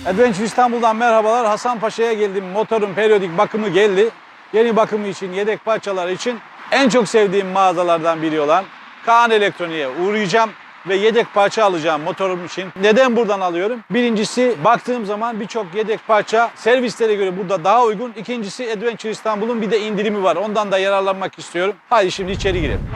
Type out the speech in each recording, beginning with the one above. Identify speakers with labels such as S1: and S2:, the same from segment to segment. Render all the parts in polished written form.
S1: Adventure İstanbul'dan merhabalar. Hasanpaşa'ya geldim. Motorun periyodik bakımı geldi. Yeni bakımı için, yedek parçalar için en çok sevdiğim mağazalardan biri olan Kaan Elektronik'e uğrayacağım ve yedek parça alacağım motorum için. Neden buradan alıyorum? Birincisi, baktığım zaman birçok yedek parça servislere göre burada daha uygun. İkincisi, Adventure İstanbul'un bir de indirimi var. Ondan da yararlanmak istiyorum. Hadi şimdi içeri girelim.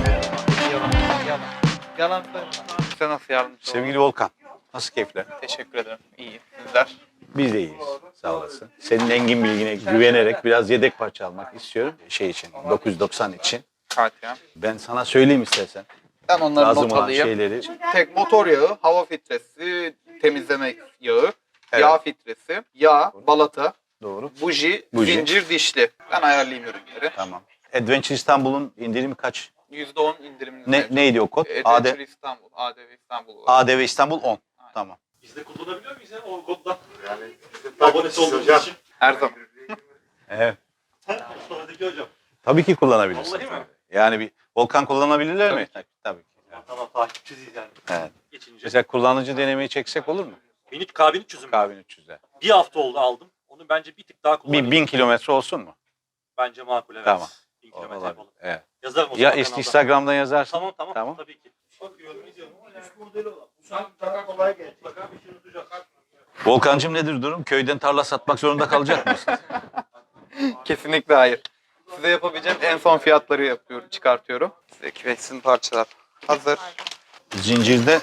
S2: Yalan söyleme. Size nasıl yardımcı olayım?
S1: Sevgili Volkan, nasıl keyifler?
S2: Teşekkür ederim. İyi. Sizler?
S1: Biz de iyiyiz. Sağ olasın. Senin engin bilgine güvenerek biraz yedek parça almak istiyorum. Şey için, 990 için.
S2: Katya.
S1: Ben sana söyleyeyim istersen.
S2: Ben onları
S1: Lazım
S2: not
S1: olan
S2: alayım.
S1: şeyleri.
S2: Tek motor yağı, hava filtresi, temizleme yağı,
S1: Evet.
S2: yağ filtresi, yağ, balata,
S1: Doğru.
S2: buji,
S1: Buji.
S2: zincir, dişli. Ben ayarlayayım ürünleri.
S1: Tamam. Adventure İstanbul'un indirimi kaç?
S2: %10 indirimli.
S1: Neydi o kod?
S2: Adventure İstanbul, ADV İstanbul.
S1: ADV İstanbul 10. Tamam.
S3: Biz de kullanabiliyor muyuz ya o kodla? Yani abonesi olduğumuz için.
S2: Her zaman.
S1: Evet.
S3: Mustafa'daki hocam.
S1: Tabii ki kullanabilirsin.
S3: Vallahi mi?
S1: Yani bir Volkan kullanabilirler mi? Tabii ki.
S3: Tamam takipçisiyiz yani.
S1: Evet.
S3: Geçince.
S1: Mesela kullanıcı denemeyi çeksek olur mu?
S3: K1300'üm.
S1: K1300'e.
S3: Bir hafta oldu aldım. Onu bence bir tık daha
S1: Bir
S3: kullanayım.
S1: 1000 kilometre olsun mu?
S3: Bence makul evet.
S1: Tamam.
S3: 1000 kilometre
S1: Olabilir.
S3: yapalım.
S1: Evet.
S3: Yazarım o
S1: Ya
S3: zaman kanalda.
S1: Instagram'dan yazarsın.
S3: Tamam
S1: Tamam.
S3: tamam. Tabii ki. Bakıyorum izliyorum. Üst modeli olan. Mutlaka bir şey unutacak.
S1: Volkancığım nedir durum? Köyden tarla satmak zorunda kalacak mısın?
S2: Kesinlikle hayır. Size yapabileceğim en son fiyatları yapıyorum, çıkartıyorum. Size kireçsin parçalar hazır.
S1: Zincirde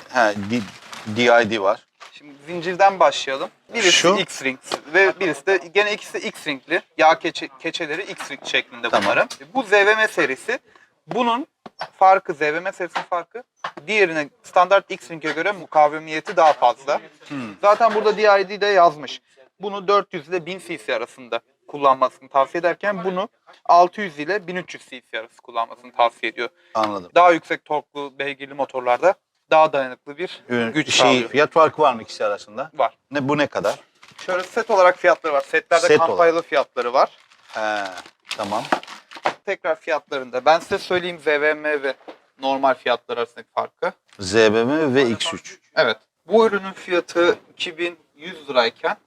S1: DID var.
S2: Şimdi zincirden başlayalım. Birisi
S1: Şu?
S2: X-Ring ve birisi de gene ikisi de X-Ring'li. Yağ keçeleri X-Ring şeklinde
S1: Tamam.
S2: bunların. Bu ZVM serisi. Bunun farkı, ZVM serisinin farkı diğerine standart X-Ring'e göre mukavemiyeti daha fazla. Zaten burada DID'de yazmış. Bunu 400 ile 1000 cc arasında kullanmasını tavsiye ederken bunu 600 ile 1300 cc arası kullanmasını tavsiye ediyor.
S1: Anladım.
S2: Daha yüksek torklu beygirli motorlarda daha dayanıklı bir güç sağlıyor.
S1: Fiyat farkı var mı ikisi arasında?
S2: Var.
S1: Bu ne kadar?
S2: Şöyle set olarak fiyatları var. Setlerde
S1: Set
S2: kampanyalı fiyatları var.
S1: He, tamam.
S2: Tekrar fiyatlarında. Ben size söyleyeyim ZVM ve normal fiyatlar arasındaki farkı.
S1: ZBM ve X3.
S2: Evet. Bu ürünün fiyatı 2100 lirayken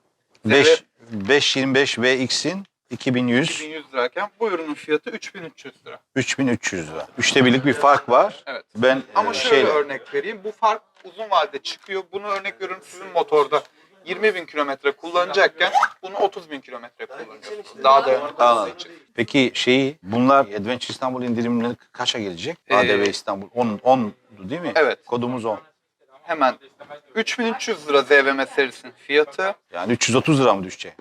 S1: 525 VX'in 2100,
S2: 2100 lirayken bu ürünün fiyatı 3300 lira.
S1: 3300 lira. Üçte birlik bir fark var.
S2: Evet.
S1: Ben
S2: Ama şöyle örnek vereyim. Bu fark uzun vadede çıkıyor. Bunu örnek veriyorum sizin motorda 20.000 kilometre kullanacakken bunu 30.000 kilometre kullanacaksınız. Daha dayanıklı olduğu
S1: Anladım.
S2: için.
S1: Peki bunlar Adventure İstanbul indirimleri kaça gelecek? ADV İstanbul 10 değil mi?
S2: Evet.
S1: Kodumuz 10.
S2: Hemen 3300 lira ZVM serisinin fiyatı
S1: Yani 330 lira mı düşecek?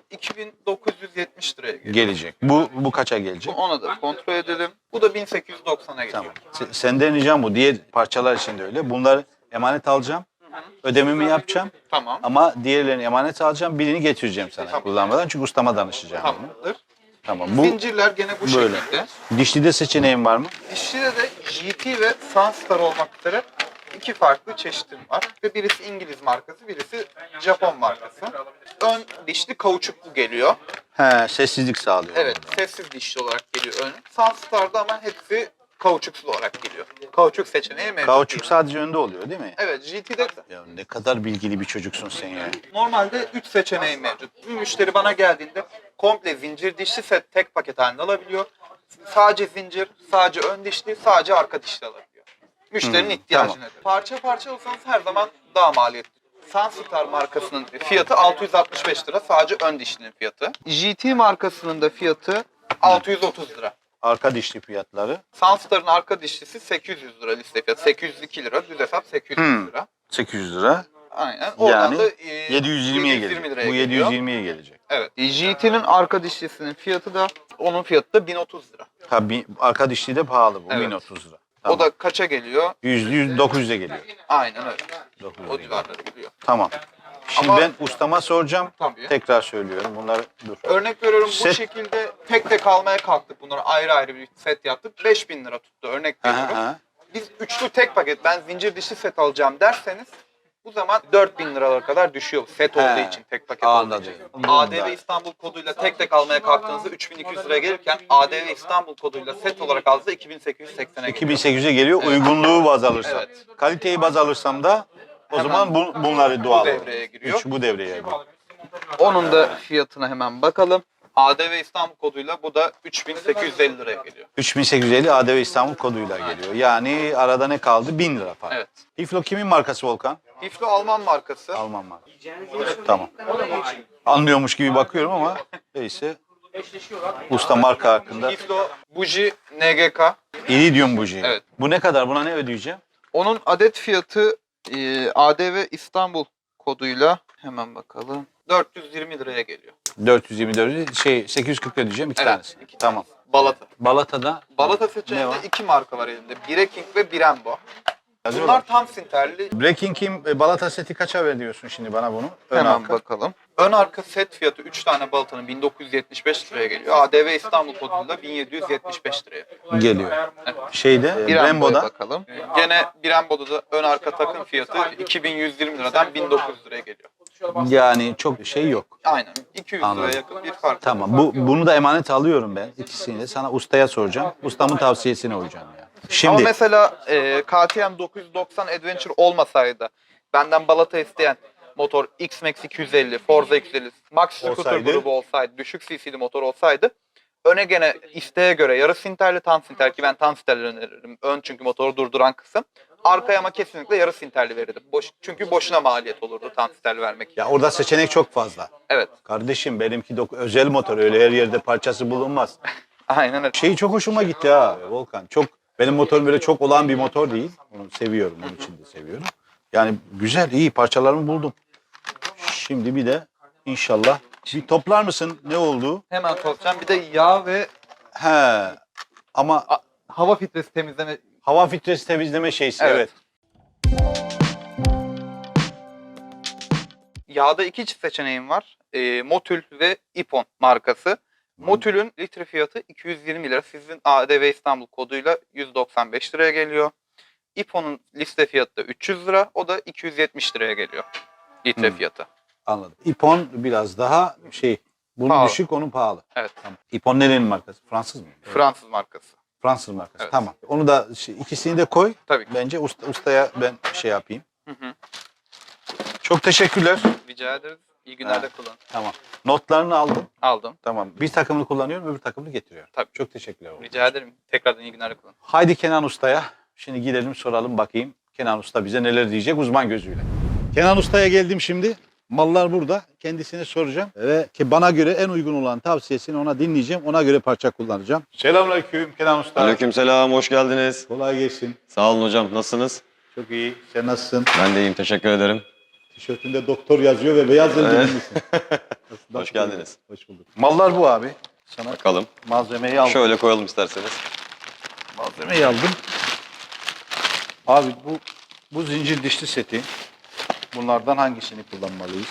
S2: 2970 liraya geliyor.
S1: Gelecek. Bu kaça gelecek?
S2: Ona da kontrol edelim. Bu da 1890'a geliyor.
S1: Tamam. Senden ricam bu. Diğer parçalar için de öyle. Bunları emanet alacağım. Ödememi yapacağım.
S2: Tamam.
S1: Ama diğerlerini emanet alacağım. Birini getireceğim sana
S2: Tamam.
S1: kullanmadan. Çünkü ustama danışacağım. bunu.
S2: Tamamdır.
S1: Tamam. Bu
S2: Zincirler gene bu
S1: böyle.
S2: şekilde.
S1: Dişlide seçeneğim var mı?
S2: Dişlide de GT ve Sunstar olmak üzere iki farklı çeşitim var. Ve birisi İngiliz markası, birisi Japon markası. Ön dişli kauçuklu geliyor.
S1: He, sessizlik sağlıyor.
S2: Evet, sessiz dişli olarak geliyor ön. Sunstar'da ama hepsi kauçuksuz olarak geliyor. Kauçuk seçeneği mevcut
S1: Kauçuk
S2: değil.
S1: sadece önde oluyor değil mi?
S2: Evet, GT'de
S1: Ya ne kadar bilgili bir çocuksun sen ya.
S2: normalde 3 seçeneği mevcut. Bir müşteri bana geldiğinde komple zincir dişli set tek paket halinde alabiliyor. Sadece zincir, sadece ön dişli, sadece arka dişli alabiliyor. Müşterinin ihtiyacına
S1: tamam.
S2: göre. Parça parça alırsanız her zaman daha maliyetli. Sunstar markasının fiyatı 665 lira. Sadece ön dişlinin fiyatı. GT markasının da fiyatı 630 lira.
S1: Arka dişli fiyatları
S2: Sunstar'ın arka dişlisi 800 lira liste fiyatı. 802 lira. Düz hesap 800 lira.
S1: 800 lira.
S2: Aynen. Oradan
S1: Yani
S2: da
S1: 720'ye gelecek.
S2: liraya
S1: Bu
S2: geliyor.
S1: 720'ye gelecek.
S2: Evet. GT'nin arka dişlisinin fiyatı da onun fiyatı da 1030 lira.
S1: Tabii arka dişli de pahalı bu.
S2: Evet.
S1: 1030 lira. Tamam.
S2: O da kaça geliyor?
S1: 900'e geliyor.
S2: Aynen öyle.
S1: 900'e
S2: O
S1: geliyor.
S2: civarlara geliyor.
S1: Tamam. Şimdi
S2: Ama-
S1: ben ustama soracağım.
S2: Tabii.
S1: Tekrar söylüyorum. Bunları dur.
S2: Örnek veriyorum bu
S1: Set-
S2: şekilde tek tek almaya kalktık. Bunları ayrı ayrı bir set yaptık. 5000 lira tuttu örnek veriyorum.
S1: Aha.
S2: Biz üçlü tek paket ben zincir dişli set alacağım derseniz bu zaman 4000 liralara kadar düşüyor set
S1: He,
S2: olduğu için tek paket olduğu
S1: anladım.
S2: için.
S1: Anladım.
S2: ADV İstanbul koduyla tek tek almaya kalktığınızda 3200 liraya gelirken ADV İstanbul koduyla set olarak aldığınızda 2880'e geliyor.
S1: 2800'e geliyor. Uygunluğu baz alırsam.
S2: Evet.
S1: Kaliteyi baz alırsam da o
S2: Hemen
S1: zaman bunları doğal.
S2: devreye giriyor.
S1: Bu devreye giriyor.
S2: Onun da fiyatına hemen bakalım. ADV İstanbul koduyla bu da 3850 liraya geliyor.
S1: 3850 ADV İstanbul koduyla geliyor. Yani arada ne kaldı? 1000 lira para.
S2: Evet.
S1: Hiflo kimin markası Volkan?
S2: Hiflo Alman markası.
S1: Alman markası. Tamam. Anlıyormuş gibi bakıyorum ama neyse. Usta marka hakkında.
S2: Hiflo Buji NGK.
S1: İridium buji.
S2: Evet.
S1: Bu ne kadar? Buna ne ödeyeceğim?
S2: Onun adet fiyatı ADV İstanbul koduyla hemen bakalım. 420 liraya geliyor.
S1: 424 840 ödeyeceğim iki
S2: Evet,
S1: tanesi.
S2: iki
S1: Tamam.
S2: Balata.
S1: Balata'da
S2: Balata
S1: ne
S2: seçeneğinde
S1: var?
S2: iki marka var elimde. Breking ve Brembo.
S1: Yazıyorlar.
S2: Bunlar tam sinterli.
S1: Breaking Kim Balata seti kaça veriyorsun şimdi bana bunu? Ön
S2: Hemen
S1: arka.
S2: bakalım. Ön arka set fiyatı 3 tane Balata'nın 1975 liraya geliyor. ADV İstanbul koduyla 1775 liraya.
S1: Geliyor. Şeyde
S2: Brembo'ya
S1: Brembo'da
S2: bakalım. Gene Brembo'da da ön arka takım fiyatı 2120 liradan 1900 liraya geliyor.
S1: yani çok şey yok.
S2: Aynen. 200
S1: Anladım.
S2: liraya yakın bir fark.
S1: Tamam. Bunu da emanet alıyorum ben. İkisini de sana ustaya soracağım. Ustamın tavsiyesine uyacağım yani.
S2: Ama
S1: Şimdi
S2: mesela KTM 990 Adventure olmasaydı benden balata isteyen motor X-Max 250, Forza 250, Max Scooter
S1: Olsaydı?
S2: grubu olsaydı, düşük cc'li motor olsaydı öne gene isteğe göre yarı sinterli tam sinter ki ben tam sinterli öneririm. Ön çünkü motoru durduran kısım. Arkaya ama kesinlikle yarı sinterli verirdim. Çünkü boşuna maliyet olurdu tam sinterli vermek.
S1: ya orada seçenek çok fazla.
S2: Evet.
S1: Kardeşim benimki özel motor, öyle her yerde parçası bulunmaz.
S2: Aynen öyle.
S1: Şey çok hoşuma gitti ha Volkan. Benim motorum böyle çok olan bir motor değil. Onu seviyorum, onun için de seviyorum. Yani güzel, iyi parçalarımı buldum. Şimdi bir de inşallah bir toplar mısın ne oldu?
S2: Hemen soracağım. Bir de yağ ve
S1: He. Ama
S2: hava filtresi temizleme.
S1: hava filtresi temizleme şeysi evet.
S2: Yağda iki çift seçeneğim var. Motul ve Ipon markası. Motul'ün litre fiyatı 220 lira. Sizin ADV İstanbul koduyla 195 liraya geliyor. Ipon'un liste fiyatı da 300 lira. O da 270 liraya geliyor. Litre fiyatı.
S1: Anladım. İpon biraz daha bunun
S2: Pahalı.
S1: düşük, onun pahalı.
S2: Evet.
S1: Tamam. İpon nerenin markası? Fransız mı?
S2: Fransız markası.
S1: Fransız markası.
S2: Evet.
S1: Tamam. Onu da ikisini de koy.
S2: Tabii ki.
S1: Bence ustaya ben şey yapayım.
S2: Hı hı.
S1: Çok teşekkürler.
S2: Rica ederiz. İyi günler de
S1: Ha.
S2: kullanın.
S1: Tamam. Notlarını aldım.
S2: Aldım.
S1: Tamam. Bir takımını kullanıyorum, öbür takımını getiriyorum.
S2: Tabii.
S1: Çok teşekkürler.
S2: Rica ederim. Tekrardan iyi günler de kullanın.
S1: Haydi Kenan Usta'ya. Şimdi gidelim soralım bakayım. Kenan Usta bize neler diyecek uzman gözüyle. Kenan Usta'ya geldim şimdi. Mallar burada. Kendisine soracağım. Ve ki bana göre en uygun olan tavsiyesini ona dinleyeceğim. Ona göre parça kullanacağım. Selamünaleyküm Kenan Usta.
S4: Aleykümselam, hoş geldiniz.
S1: Kolay gelsin.
S4: Sağ olun hocam, nasılsınız?
S1: Çok iyi. Sen nasılsın?
S4: Ben de iyiyim, teşekkür ederim.
S1: Tişörtünde doktor yazıyor ve beyaz eldivenlisin.
S4: Hoş geldiniz.
S1: Hoş bulduk. Mallar bu abi. Sana
S4: Bakalım.
S1: malzemeyi aldım.
S4: Şöyle koyalım isterseniz.
S1: Malzemeyi aldım. Abi bu zincir dişli seti. Bunlardan hangisini kullanmalıyız?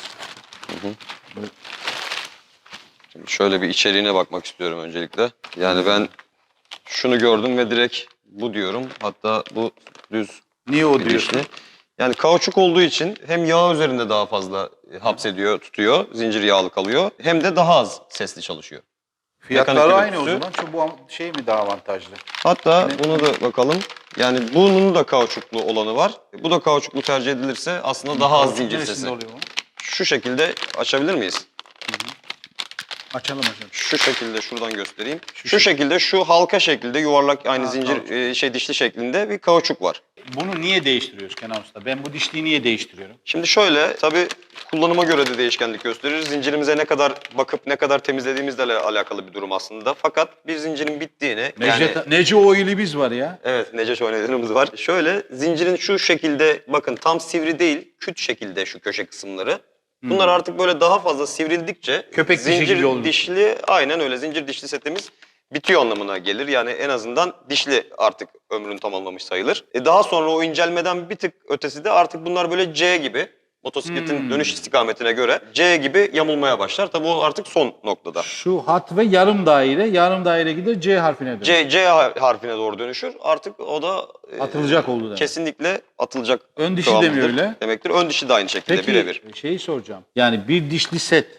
S4: Şimdi şöyle bir içeriğine bakmak istiyorum öncelikle. Yani ben şunu gördüm ve direkt bu diyorum. Hatta bu düz
S1: Niye o
S4: bir
S1: diyorsun?
S4: dişli. Yani kauçuk olduğu için hem yağ üzerinde daha fazla hapsediyor, tutuyor, zincir yağlı kalıyor. Hem de daha az sesli çalışıyor.
S1: Fiyatları
S4: Mekanik
S1: aynı o
S4: görüntüsü.
S1: zaman. Çünkü bu şey mi daha avantajlı?
S4: Hatta buna da bakalım. Yani bunun da kauçuklu olanı var. Bu da kauçuklu tercih edilirse aslında daha az zincir
S1: Neresinde
S4: sesi.
S1: oluyor bu?
S4: Şu şekilde açabilir miyiz?
S1: Açalım.
S4: Şu şekilde şuradan göstereyim.
S1: Şu
S4: Şu şekilde şu halka şekilde yuvarlak aynı zincir dişli şeklinde bir kauçuk var.
S1: Bunu niye değiştiriyoruz Kenan Usta? Ben bu dişliği niye değiştiriyorum?
S4: Şimdi şöyle tabii kullanıma göre de değişkenlik gösterir. Zincirimize ne kadar bakıp ne kadar temizlediğimizle alakalı bir durum aslında. Fakat bir zincirin bittiğini
S1: Nece Oil'i biz var ya.
S4: evet, Neceş oynadığımız var. Şöyle zincirin şu şekilde bakın tam sivri değil, küt şekilde şu köşe kısımları. Bunlar artık böyle daha fazla sivrildikçe
S1: Köpek dişi gibi olmuş.
S4: dişli aynen öyle zincir dişli setimiz bitiyor anlamına gelir. Yani en azından dişli artık ömrünü tamamlamış sayılır. Daha sonra o incelmeden bir tık ötesi de artık bunlar böyle C gibi motosikletin dönüş istikametine göre C gibi yamulmaya başlar. Tabii o artık son noktada.
S1: Şu hat ve yarım daire gider C harfine dönüyor.
S4: C harfine doğru dönüşür. Artık o da
S1: Atılacak oldu demek.
S4: kesinlikle atılacak.
S1: Ön dişi de mi
S4: kıvamdadır
S1: öyle?
S4: demektir. Ön dişi de aynı şekilde
S1: Peki
S4: birebir.
S1: şeyi soracağım. Yani bir dişli set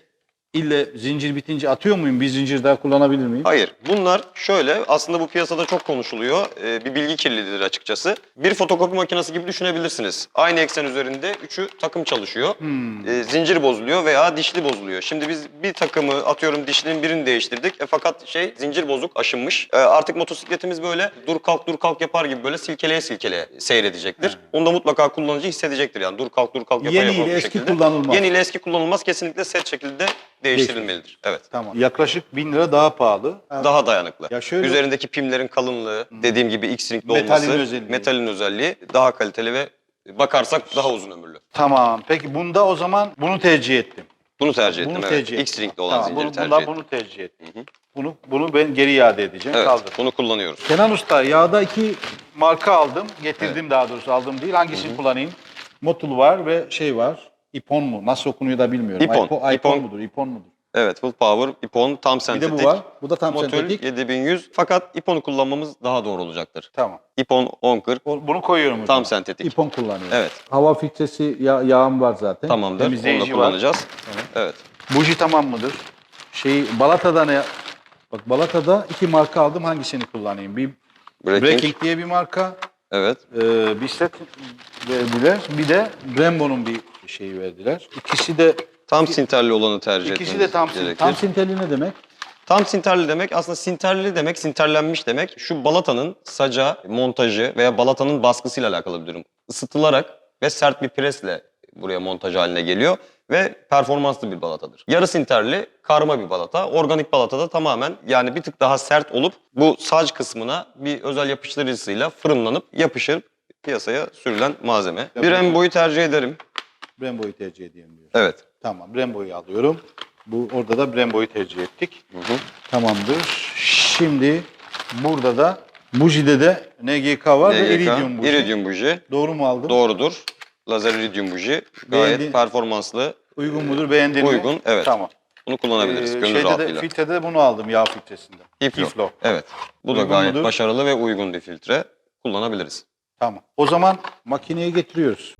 S1: ille zincir bitince atıyor muyum? Bir zincir daha kullanabilir miyim?
S4: Hayır. Bunlar şöyle, aslında bu piyasada çok konuşuluyor. Bir bilgi kirliliğidir açıkçası. Bir fotokopi makinesi gibi düşünebilirsiniz. Aynı eksen üzerinde üçü takım çalışıyor. Zincir bozuluyor veya dişli bozuluyor. Şimdi biz bir takımı atıyorum dişlinin birini değiştirdik. Fakat zincir bozuk, aşınmış. Artık motosikletimiz böyle dur kalk yapar gibi böyle silkeleye silkeleye seyredecektir. Onu da mutlaka kullanıcı hissedecektir yani. Dur kalk yapar
S1: Yeni ile
S4: bu
S1: eski
S4: şekilde.
S1: kullanılmaz.
S4: Yeni ile eski kullanılmaz. Kesinlikle set şekilde değiştirilmelidir. Evet.
S1: Tamam. Yaklaşık 1000 lira daha pahalı.
S4: Daha dayanıklı.
S1: Ya şöyle-
S4: Üzerindeki pimlerin kalınlığı, dediğim gibi X-Ring'li
S1: Metalin
S4: olması,
S1: özelliği.
S4: metalin özelliği daha kaliteli ve bakarsak daha uzun ömürlü.
S1: Tamam. Peki bunda o zaman bunu tercih ettim.
S4: Bunu tercih ettim.
S1: Bunu
S4: Evet.
S1: tercih ettim.
S4: X-Ring'li olan zinciri tercih
S1: bundan
S4: ettim.
S1: bunu tercih ettim. Bunu ben geri iade edeceğim.
S4: Evet,
S1: Kaldır.
S4: bunu kullanıyoruz.
S1: Kenan Usta, yağda 2 marka aldım. Getirdim daha doğrusu, aldım değil. Hangisini kullanayım? Motul var ve şey var. Ipon mu? Nasıl okunuyor da bilmiyorum.
S4: Ipon.
S1: Ipon mudur? Ipon mudur?
S4: Evet, Full Power, Ipon, tam
S1: Bir
S4: sentetik.
S1: de bu var. Bu da tam
S4: Motul
S1: sentetik.
S4: 7100. Fakat Ipon'u kullanmamız daha doğru olacaktır.
S1: Tamam.
S4: Ipon 1040,
S1: Bunu koyuyorum hocam.
S4: tam sentetik.
S1: İpon kullanıyorum.
S4: Evet.
S1: Hava filtresi yağım var zaten.
S4: Tamamdır. Onu da
S1: Temizleyici var.
S4: kullanacağız. Evet.
S1: Buji tamam mıdır? Balata'da ne? Bak, Balata'da 2 marka aldım. Hangisini kullanayım? Bir Breaking diye bir marka.
S4: Evet.
S1: Bir set verdiler. Bir de Brembo'nun bir şeyi verdiler. İkisi de
S4: Tam sinterli olanı tercih
S1: İkisi
S4: etmemiz
S1: de tam
S4: gerekir.
S1: Tam sinterli ne demek?
S4: Tam sinterli demek aslında sinterli demek, sinterlenmiş demek. Şu balatanın saca, montajı veya balatanın baskısıyla alakalı bir durum. Isıtılarak ve sert bir presle buraya montaj haline geliyor ve performanslı bir balatadır. Yarı sinterli, karma bir balata. Organik balata da tamamen yani bir tık daha sert olup bu sac kısmına bir özel yapıştırıcısıyla fırınlanıp yapışır piyasaya sürülen malzeme. Bir Brembo'yu tercih ederim.
S1: Brembo'yu tercih edeyim diyor.
S4: Evet.
S1: Tamam, Brembo'yu alıyorum. Orada da Brembo'yu tercih ettik. Tamamdır. Şimdi burada da Buji'de de NGK var ve Iridium buji.
S4: Iridium buji.
S1: Doğru mu aldım?
S4: Doğrudur. Lazer iridium buji. Gayet
S1: Beğendin-
S4: performanslı.
S1: Uygun mudur? Beğendin mi?
S4: Uygun, evet.
S1: Tamam.
S4: Bunu kullanabiliriz gönül
S1: Şeyde de,
S4: rahatlığıyla.
S1: filtrede de bunu aldım, yağ filtresinde.
S4: Hiflo. Evet. Bu da
S1: Uygun
S4: gayet
S1: mudur?
S4: başarılı ve uygun bir filtre. Kullanabiliriz.
S1: Tamam. O zaman makineye getiriyoruz.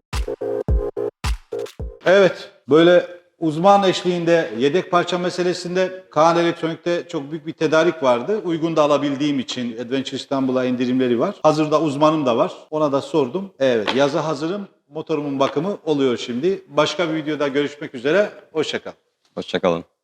S1: Evet, böyle uzman eşliğinde yedek parça meselesinde Kaan Elektronik'te çok büyük bir tedarik vardı. Uygun da alabildiğim için Adventure İstanbul'a indirimleri var. Hazırda uzmanım da var. Ona da sordum. Evet, yaza hazırım. Motorumun bakımı oluyor şimdi. Başka bir videoda görüşmek üzere. Hoşça kal.
S4: Hoşça kalın.